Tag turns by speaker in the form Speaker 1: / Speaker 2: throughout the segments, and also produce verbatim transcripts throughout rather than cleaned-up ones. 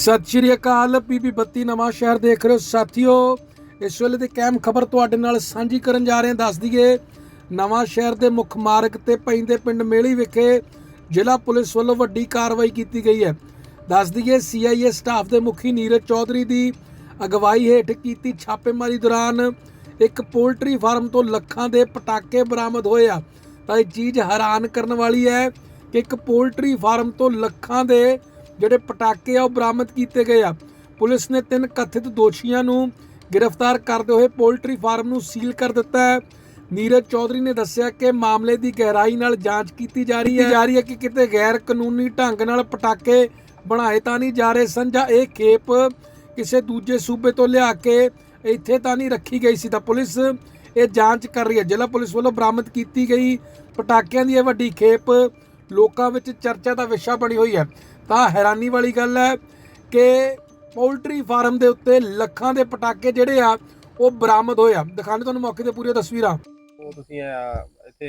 Speaker 1: सत श्री अकाल। पीबी बत्ती नवां शहर देख रहे हो साथियों। इस वेले ਦੀ कैम खबर ਤੁਹਾਡੇ ਨਾਲ ਸਾਂਝੀ ਕਰਨ ਜਾ ਰਹੇ ਹਾਂ। ਦੱਸ ਦਈਏ ਨਵਾਂ ਸ਼ਹਿਰ ਦੇ ਮੁੱਖ ਮਾਰਗ ਤੇ ਪੈਂਦੇ ਪਿੰਡ ਮੇਲੀ ਵਿਖੇ ਜ਼ਿਲ੍ਹਾ ਪੁਲਿਸ ਵੱਲੋਂ ਵੱਡੀ ਕਾਰਵਾਈ ਕੀਤੀ ਗਈ ਹੈ। ਦੱਸ ਦਈਏ ਸੀਆਈਏ ਸਟਾਫ ਦੇ ਮੁਖੀ ਨੀਰਜ ਚੌਧਰੀ ਦੀ ਅਗਵਾਈ ਹੇਠ ਕੀਤੀ ਛਾਪੇਮਾਰੀ ਦੌਰਾਨ ਇੱਕ ਪੋਲਟਰੀ ਫਾਰਮ ਤੋਂ ਲੱਖਾਂ ਦੇ ਪਟਾਕੇ ਬਰਾਮਦ ਹੋਏ ਆ। ਤਾਂ ਇਹ ਚੀਜ਼ ਹੈਰਾਨ ਕਰਨ ਵਾਲੀ ਹੈ ਕਿ ਇੱਕ ਪੋਲਟਰੀ ਫਾਰਮ ਤੋਂ ਲੱਖਾਂ ਦੇ ਜਿਹੜੇ ਪਟਾਕੇ ਆ ਉਹ ਬਰਾਮਦ ਕੀਤੇ ਗਏ ਆ। ਪੁਲਿਸ ਨੇ ਤਿੰਨ ਕਥਿਤ ਦੋਸ਼ੀਆਂ ਨੂੰ गिरफ्तार करते हुए पोल्ट्री फार्म ਨੂੰ सील कर दिता है। नीरज चौधरी ने दस्सिया कि मामले की गहराई नाल जांच की जा रही है जा रही है कि किते गैर कानूनी ढंग नाल पटाके बनाए तां नहीं जा रहे सन जां इह खेप किसी दूजे सूबे तो लिया के इत्थे तां नहीं रखी गई सी। तां पुलिस ये जांच कर रही है। जिला पुलिस वालों बरामद की गई पटाकियां दी वड्डी खेप लोकां विच चर्चा का विषय बनी हुई है। तां हैरानी वाली गल है कि पोल्ट्री फार्म के उत्ते ਲੱਖਾਂ ਦੇ ਪਟਾਕੇ ਜਿਹੜੇ ਆ ਉਹ ਬਰਾਮਦ ਹੋਏ ਆ। ਦਿਖਾਣੇ ਤੁਹਾਨੂੰ ਮੌਕੇ ਤੇ ਪੂਰੀਆਂ ਤਸਵੀਰਾਂ।
Speaker 2: ਉਹ ਤੁਸੀਂ ਇੱਥੇ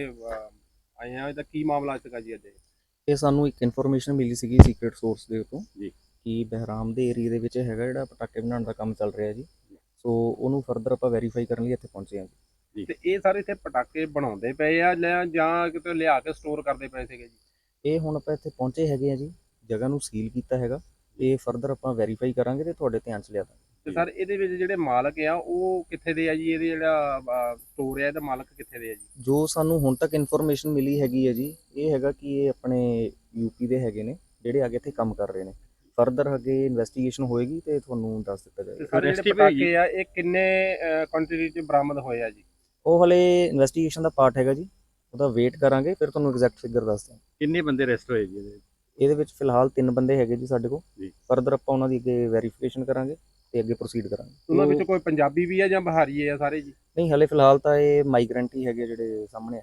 Speaker 2: ਆਏ ਆ, ਇਹਦਾ ਕੀ ਮਾਮਲਾ ਸੀਗਾ ਜੀ? ਅੱਜ
Speaker 3: ਇਹ ਸਾਨੂੰ ਇੱਕ ਇਨਫੋਰਮੇਸ਼ਨ ਮਿਲੀ ਸੀਗੀ ਸੀਕ੍ਰੀਟ ਸੋਰਸ ਦੇ ਉੱਤੋਂ
Speaker 2: ਜੀ
Speaker 3: ਕਿ ਬਹਿਰਾਮ ਦੇ ਏਰੀਆ ਦੇ ਵਿੱਚ ਹੈਗਾ ਜਿਹੜਾ ਪਟਾਕੇ ਬਣਾਉਣ ਦਾ ਕੰਮ ਚੱਲ ਰਿਹਾ ਜੀ। ਸੋ ਉਹਨੂੰ ਫਰਦਰ ਆਪਾਂ ਵੈਰੀਫਾਈ ਕਰਨ ਲਈ ਇੱਥੇ ਪਹੁੰਚੇ ਹਾਂ ਜੀ।
Speaker 2: ਤੇ ਇਹ ਸਾਰੇ ਇੱਥੇ ਪਟਾਕੇ ਬਣਾਉਂਦੇ ਪਏ ਆ ਜਾਂ ਕਿਤੇ ਲਿਆ ਕੇ ਸਟੋਰ ਕਰਦੇ ਪਏ ਸੀਗੇ ਜੀ?
Speaker 3: ਇਹ ਹੁਣ ਆਪਾਂ ਇੱਥੇ ਪਹੁੰਚੇ ਹੈਗੇ ਆ ਜੀ, ਜਗ੍ਹਾ ਨੂੰ ਸੀਲ ਕੀਤਾ ਹੈਗਾ। ਇਹ ਫਰਦਰ ਆਪਾਂ ਵੈਰੀਫਾਈ ਕਰਾਂਗੇ ਤੇ ਤੁਹਾਡੇ ਧਿਆਨ ਚ ਲਿਆ ਦਾਂਗੇ।
Speaker 2: ਤੇ ਸਰ ਇਹਦੇ ਵਿੱਚ ਜਿਹੜੇ ਮਾਲਕ ਆ ਉਹ ਕਿੱਥੇ ਦੇ ਆ ਜੀ? ਇਹਦੇ ਜਿਹੜਾ ਸਟੋਰ ਆ ਇਹਦਾ ਮਾਲਕ ਕਿੱਥੇ ਦੇ ਆ ਜੀ?
Speaker 3: ਜੋ ਸਾਨੂੰ ਹੁਣ ਤੱਕ ਇਨਫੋਰਮੇਸ਼ਨ ਮਿਲੀ ਹੈਗੀ ਹੈ ਜੀ, ਇਹ ਹੈਗਾ ਕਿ ਇਹ ਆਪਣੇ ਯੂਪੀ ਦੇ ਹੈਗੇ ਨੇ ਜਿਹੜੇ ਅੱਗੇ ਇੱਥੇ ਕੰਮ ਕਰ ਰਹੇ ਨੇ। ਫਰਦਰ ਅੱਗੇ ਇਨਵੈਸਟੀਗੇਸ਼ਨ ਹੋਏਗੀ ਤੇ ਤੁਹਾਨੂੰ ਦੱਸ ਦਿੱਤਾ ਜਾਏਗਾ।
Speaker 2: ਸਾਰੇ ਜਿਹੜੇ ਪਟਾਕੇ ਆ ਇਹ ਕਿੰਨੇ ਕੁਆਂਟੀਟੀ ਚ ਬਰਾਮਦ ਹੋਏ ਆ ਜੀ?
Speaker 3: ਉਹ ਹਲੇ ਇਨਵੈਸਟੀਗੇਸ਼ਨ ਦਾ ਪਾਰਟ ਹੈਗਾ ਜੀ, ਉਹਦਾ ਵੇਟ ਕਰਾਂਗੇ ਫਿਰ ਤੁਹਾਨੂੰ ਐਗਜ਼ੈਕਟ ਫਿਗਰ ਦੱਸ ਦਾਂਗੇ।
Speaker 2: ਕਿੰਨੇ ਬੰਦੇ ਅਰੈਸਟ ਹੋਏ ਜੀ ਇਹਦੇ?
Speaker 3: ਇਹਦੇ ਵਿੱਚ ਫਿਲਹਾਲ ਤਿੰਨ ਬੰਦੇ ਹੈਗੇ ਜੀ ਸਾਡੇ ਕੋਲ। ਫਰਦਰ ਆਪਾਂ ਉਹਨਾਂ ਦੀ ਅੱਗੇ ਵੈਰੀਫਿਕੇਸ਼ਨ ਕਰਾਂਗੇ ਤੇ ਅੱਗੇ ਪ੍ਰੋਸੀਡ ਕਰਾਂਗੇ।
Speaker 2: ਉਹਨਾਂ ਵਿੱਚ ਕੋਈ ਪੰਜਾਬੀ ਵੀ ਆ ਜਾਂ ਬਿਹਾਰੀ ਆ ਸਾਰੇ ਜੀ?
Speaker 3: ਨਹੀਂ, ਹਲੇ ਫਿਲਹਾਲ ਤਾਂ ਇਹ ਮਾਈਗ੍ਰੈਂਟ ਹੀ ਹੈਗੇ ਜਿਹੜੇ ਸਾਹਮਣੇ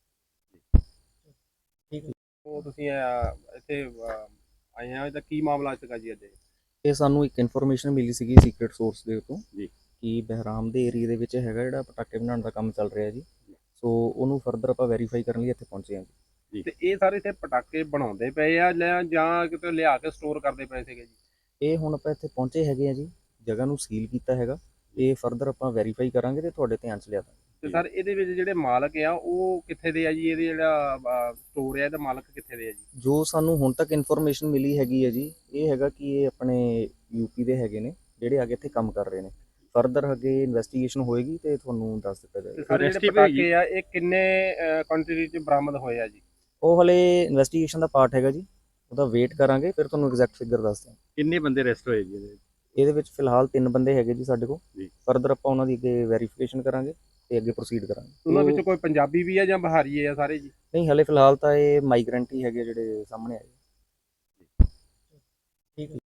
Speaker 3: ਆਏ। ਠੀਕ ਹੈ।
Speaker 2: ਉਹ ਤੁਸੀਂ ਇੱਥੇ ਆਏ ਆ, ਇਹਦਾ ਕੀ ਮਾਮਲਾ ਸੀਗਾ ਜੀ? ਅੱਜ
Speaker 3: ਇਹ ਸਾਨੂੰ ਇੱਕ ਇਨਫੋਰਮੇਸ਼ਨ ਮਿਲੀ ਸੀਗੀ ਸੀਕ੍ਰੀਟ ਸੋਰਸ ਦੇ ਉੱਤੋਂ
Speaker 2: ਜੀ
Speaker 3: ਕਿ ਬਹਿਰਾਮ ਦੇ ਏਰੀਆ ਦੇ ਵਿੱਚ ਹੈਗਾ ਜਿਹੜਾ ਪਟਾਕੇ ਬਣਾਉਣ ਦਾ ਕੰਮ ਚੱਲ ਰਿਹਾ ਜੀ। ਸੋ ਉਹਨੂੰ ਫਰਦਰ ਆਪਾਂ ਵੈਰੀਫਾਈ ਕਰਨ ਲਈ ਇੱਥੇ ਪਹੁੰਚੇ ਹਾਂ ਜੀ।
Speaker 2: ਤੇ ਇਹ ਸਾਰੇ ਇੱਥੇ ਪਟਾਕੇ ਬਣਾਉਂਦੇ ਪਏ ਆ ਜਾਂ ਕਿਤੇ ਲਿਆ ਕੇ ਸਟੋਰ ਕਰਦੇ ਪਏ ਸੀਗੇ ਜੀ?
Speaker 3: ਇਹ ਹੁਣ ਆਪਾਂ ਇੱਥੇ ਪਹੁੰਚੇ ਹੈਗੇ ਆ ਜੀ, ਜਗ੍ਹਾ ਨੂੰ ਸੀਲ ਕੀਤਾ ਹੈਗਾ। ਇਹ ਫਰਦਰ ਆਪਾਂ ਵੈਰੀਫਾਈ ਕਰਾਂਗੇ ਤੇ ਤੁਹਾਡੇ ਧਿਆਨ ਚ ਲਿਆ ਦਾਂਗੇ।
Speaker 2: ਤੇ ਸਰ ਇਹਦੇ ਵਿੱਚ ਜਿਹੜੇ ਮਾਲਕ ਆ ਉਹ ਕਿੱਥੇ ਦੇ ਆ ਜੀ? ਇਹਦੇ ਜਿਹੜਾ ਸਟੋਰ ਆ ਇਹਦਾ ਮਾਲਕ ਕਿੱਥੇ ਦੇ ਆ ਜੀ?
Speaker 3: ਜੋ ਸਾਨੂੰ ਹੁਣ ਤੱਕ ਇਨਫੋਰਮੇਸ਼ਨ ਮਿਲੀ ਹੈਗੀ ਹੈ ਜੀ, ਇਹ ਹੈਗਾ ਕਿ ਇਹ ਆਪਣੇ ਯੂਪੀ ਦੇ ਹੈਗੇ ਨੇ ਜਿਹੜੇ ਅੱਗੇ ਇੱਥੇ ਕੰਮ ਕਰ ਰਹੇ ਨੇ। ਫਰਦਰ ਅੱਗੇ ਇਨਵੈਸਟੀਗੇਸ਼ਨ ਹੋਏਗੀ ਤੇ ਤੁਹਾਨੂੰ ਦੱਸ ਦਿੱਤਾ ਜਾਏਗਾ।
Speaker 2: ਸਾਰੇ ਜਿਹੜੇ ਪਟਾਕੇ ਆ ਇਹ ਕਿੰਨੇ ਕੁਆਂਟੀਟੀ ਚ ਬਰਾਮਦ ਹੋਏ ਆ ਜੀ?
Speaker 3: ਉਹ ਹਲੇ ਇਨਵੈਸਟੀਗੇਸ਼ਨ ਦਾ ਪਾਰਟ ਹੈਗਾ ਜੀ, ਉਹਦਾ ਵੇਟ ਕਰਾਂਗੇ ਫਿਰ ਤੁਹਾਨੂੰ ਐਗਜ਼ੈਕਟ ਫਿਗਰ ਦੱਸ ਦਾਂਗੇ।
Speaker 2: ਕਿੰਨੇ ਬੰਦੇ ਅਰੈਸਟ ਹੋਏ ਜੀ ਇਹਦੇ?
Speaker 3: ਇਹਦੇ ਵਿੱਚ ਫਿਲਹਾਲ ਤਿੰਨ ਬੰਦੇ ਹੈਗੇ ਜੀ ਸਾਡੇ ਕੋਲ। ਫਰਦਰ ਆਪਾਂ ਉਹਨਾਂ ਦੀ ਅੱਗੇ ਵੈਰੀਫਿਕੇਸ਼ਨ ਕਰਾਂਗੇ ਤੇ ਅੱਗੇ ਪ੍ਰੋਸੀਡ ਕਰਾਂਗੇ। ਉਹਨਾਂ
Speaker 2: ਵਿੱਚ ਕੋਈ ਪੰਜਾਬੀ ਵੀ ਆ ਜਾਂ ਬਿਹਾਰੀ ਆ ਸਾਰੇ ਜੀ?
Speaker 3: ਨਹੀਂ, ਹਲੇ ਫਿਲਹਾਲ ਤਾਂ ਇਹ ਮਾਈਗ੍ਰੈਂਟ ਹੀ ਹੈਗੇ ਜਿਹੜੇ ਸਾਹਮਣੇ ਆਏ। ਠੀਕ ਹੈ।